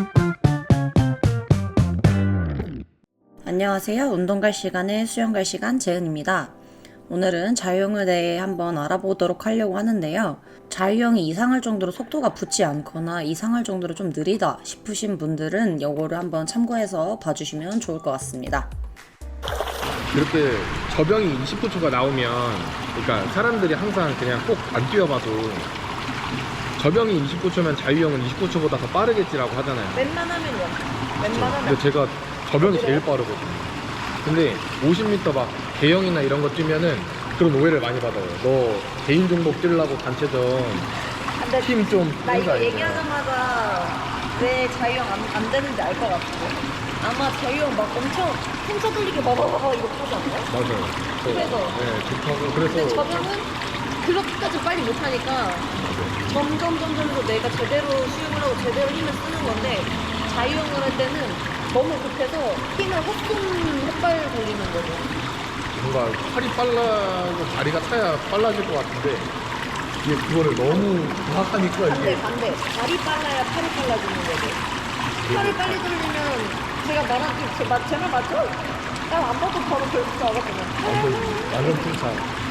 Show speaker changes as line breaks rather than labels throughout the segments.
안녕하세요. 운동 갈 시간에 수영 갈 시간 재은입니다. 오늘은 자유형에 대해 한번 알아보도록 하려고 하는데요. 자유형이 이상할 정도로 속도가 붙지 않거나 이상할 정도로 좀 느리다 싶으신 분들은 이거를 한번 참고해서 봐주시면 좋을 것 같습니다.
그렇게 저병이 29초가 나오면, 그러니까 사람들이 항상 그냥 꼭 안 뛰어봐도 저병이 29초면 자유형은 29초보다 더 빠르겠지라고 하잖아요.
웬만하면요. 웬만하면.
근데 제가 저병이 제일 빠르거든요. 근데 50m 막 대형이나 이런 거 뛰면은 그런 오해를 많이 받아요. 너 개인 종목 뛰려고 단체전
근데
팀 좀
나
뛰는 거
이거
아니야?
얘기하자마자 왜 자유형 안 되는지 알 것 같고. 아마 자유형 막 엄청 펜쳐 돌리기 봐봐봐 이거 하지 않나요?
맞아요.
그래서.
네, 좋다고.
근데
그래서
저병은 그렇게까지 빨리 못하니까 점점 내가 제대로 수영을 하고 제대로 힘을 쓰는 건데, 자유형을 할 때는 너무 급해서 힘을 헛발 돌리는 거죠.
뭔가 팔이 빨라고 다리가 차야 빨라질 것 같은데 이게 그거를 너무 정확하니까 이게
반대. 발이 빨라야 팔이 빨라지는 거죠. 팔이 빨리 돌리면 제가 말한 제 말 맞죠? 난 안 봐도 바로 결국 알았거든요.
완전 칭찬.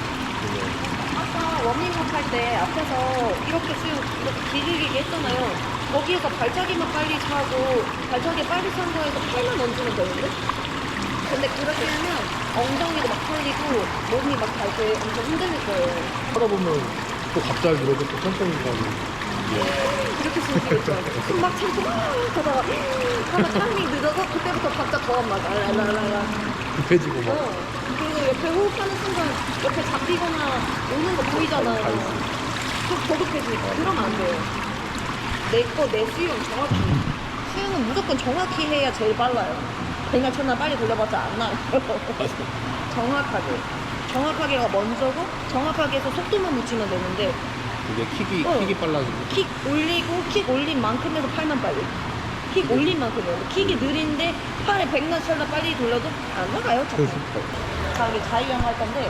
아까 워밍업 할 때 앞에서 이렇게 수영 이렇게 길게 했잖아요. 거기에서 발차기만 빨리 차고 발차기 빨리 찬 거에서 팔만 얹으면 되는데? 근데 그렇게 하면 엉덩이도 막 풀리고 몸이 막 갈 때 엄청 힘들 거예요.
하다 보면 또 갑자기 이러고 또 천천히 가고
그렇게 수영하겠죠. 숨막 참고 막 하다가 하면 타이밍 늦어서 그때부터 박자 더 안 맞아. 랄랄랄라.
급해지고 막
그리고 옆에 호흡하는 순간 옆에 잡히거나 오는 거 보이잖아요. 좀 더급해지니까 그러면 안 돼요. 내 수영 정확히. 수영은 무조건 정확히 해야 제일 빨라요. 그냥 첫날 빨리 돌려봤자 안 나요. 정확하게. 정확하게가 먼저고 정확하게 해서 속도만 붙이면 되는데,
이게 킥이 빨라지고
킥 올린 만큼에서 팔만 빨리. 킥 올린 만큼이에요. 킥이 느린데 팔에 100날 빨리 돌려도 안 나가요. 자꾸. 자, 이게 자유형 할 건데,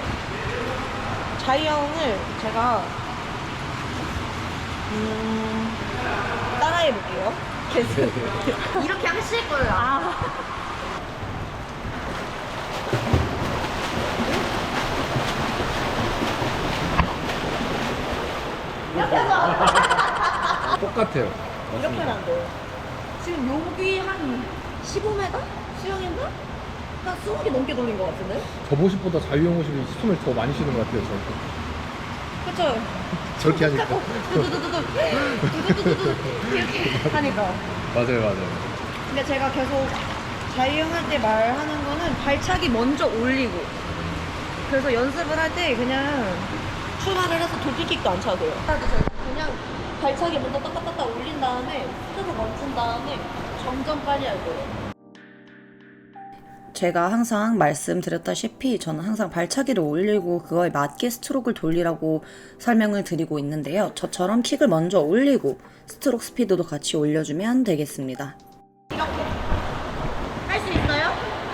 자유형을 제가 따라해 볼게요. 계속. 이렇게 하실 거예요. 이렇게 하자.
똑같아요.
이렇게 하면 안 돼요. 지금 여기 한 15m? 수영했나? 한 20개 넘게 돌린 것 같은데?
저 모습보다 자유형 모습이 숨을 더 많이 쉬는 것 같아요.
그쵸?
저렇게 하니까.
두두두두두 이렇게 하니까.
맞아요.
근데 제가 계속 자유형 할 때 말하는 거는 발차기 먼저 올리고, 그래서 연습을 할 때 그냥 출발을 해서 돌기킥도 안 차도 돼요. 그냥 발차기 먼저 따따따따 올린 다음에 스스로 멈춘 다음에 점점 빨리 할 거예요.
제가 항상 말씀드렸다시피 저는 항상 발차기를 올리고 그거에 맞게 스트로크를 돌리라고 설명을 드리고 있는데요. 저처럼 킥을 먼저 올리고 스트로크 스피드도 같이 올려주면 되겠습니다.
이렇게 할 수 있어요?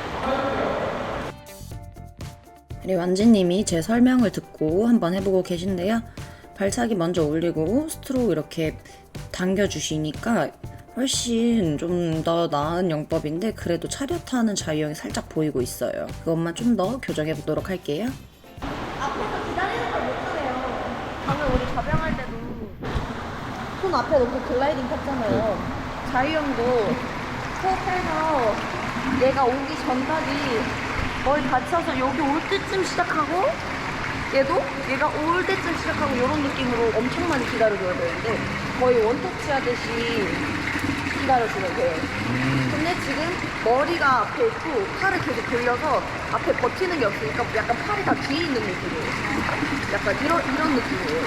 우리 완지님이 제 설명을 듣고 한번 해보고 계신데요. 발차기 먼저 올리고 스트로크 이렇게 당겨주시니까 훨씬 좀 더 나은 영법인데 그래도 차렷하는 자유형이 살짝 보이고 있어요. 그것만 좀 더 교정해 보도록 할게요.
앞에서 기다리는 걸 못하네요. 방금 우리 접영할 때도 손 앞에 놓고 글라이딩 탔잖아요. 자유형도 호흡해서 얘가 오기 전까지 머리 받쳐서 여기 올 때쯤 시작하고, 얘가 올 때쯤 시작하고 이런 느낌으로 엄청 많이 기다려줘야 되는데 거의 원터치 하듯이 기다려주면 돼요. 근데 지금 머리가 앞에 있고 팔을 계속 돌려서 앞에 버티는 게 없으니까 약간 팔이 다 뒤에 있는 느낌이에요. 약간 이런 느낌이에요.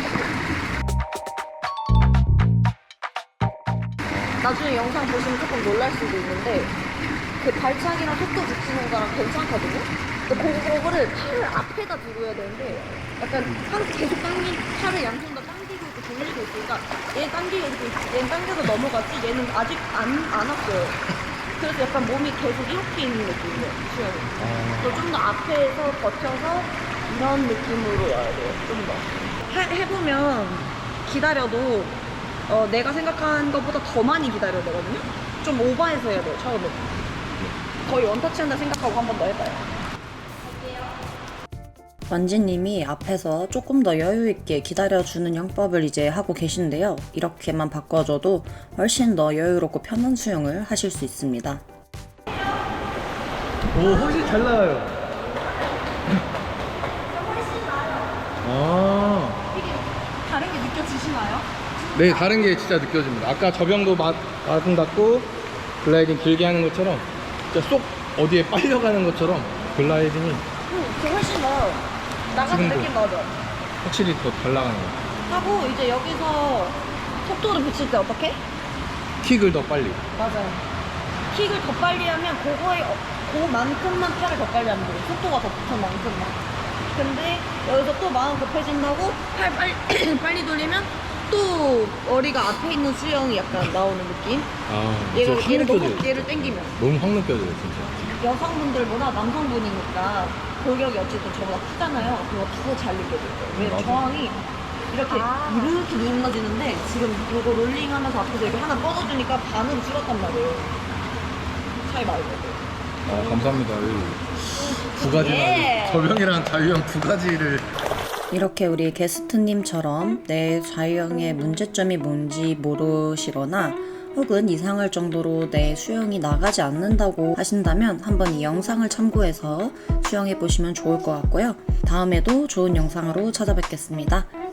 나중에 영상 보시면 조금 놀랄 수도 있는데 그 발차기랑 속도 붙이는 거랑 괜찮거든요? 근데 그거를 팔을 앞에다 두고 해야 되는데 약간 계속 팔을 양손 다 당기고 있고 돌리고 있으니까 얘는 당기고 있고 얘는 당겨서 넘어갔지 얘는 아직 안 왔어요. 그래서 약간 몸이 계속 이렇게 있는 느낌이에요, 수영이. 그래서 좀 더 앞에서 버텨서 이런 느낌으로 와야 돼요, 좀 더. 해보면 기다려도 내가 생각한 것보다 더 많이 기다려야 되거든요? 좀 오버해서 해야 돼요, 처음에. 거의 원터치 한다 생각하고 한 번 더 해봐요.
완지님이 앞에서 조금 더 여유있게 기다려주는 영법을 이제 하고 계신데요. 이렇게만 바꿔줘도 훨씬 더 여유롭고 편한 수영을 하실 수 있습니다.
오, 훨씬 잘 나와요. 아,
이게 다른 게 느껴지시나요?
네, 다른 게 진짜 느껴집니다. 아까 저병도 아름답고 글라이딩 길게 하는 것처럼 진짜 쏙 어디에 빨려가는 것처럼 글라이딩이
그 훨씬 나아요. 나가는
지금도.
느낌 나죠?
확실히 더 잘 나가는 것 같아요.
하고 이제 여기서 속도를 붙일 때 어떻게?
킥을 더 빨리.
맞아요. 킥을 더 빨리 하면 그만큼만 팔을 더 빨리 하면 돼요. 속도가 더 붙은 만큼만. 근데 여기서 또 마음 급해진다고 팔 빨리 돌리면 또 머리가 앞에 있는 수영이 약간 나오는 느낌?
아,
얘를
느껴져요.
너무 얘를 당기면
너무 확 느껴져요, 진짜.
여성분들보다 남성분이니까 골격이 어쨌든 저보다 크잖아요. 그거 더 잘 느껴질 거예요. 왜냐면
맞아.
저항이 이렇게 눌러지는데 지금 이거 롤링하면서 앞에서 이렇게 하나 뻗어주니까 반으로 줄었단 말이에요. 차이 많이 나요.
아, 감사합니다. 두 가지나.
예.
저병이랑 자유형 두 가지를.
이렇게 우리 게스트님처럼 내 자유형의 문제점이 뭔지 모르시거나 혹은 이상할 정도로 내 수영이 나가지 않는다고 하신다면 한번 이 영상을 참고해서 수영해 보시면 좋을 것 같고요. 다음에도 좋은 영상으로 찾아뵙겠습니다.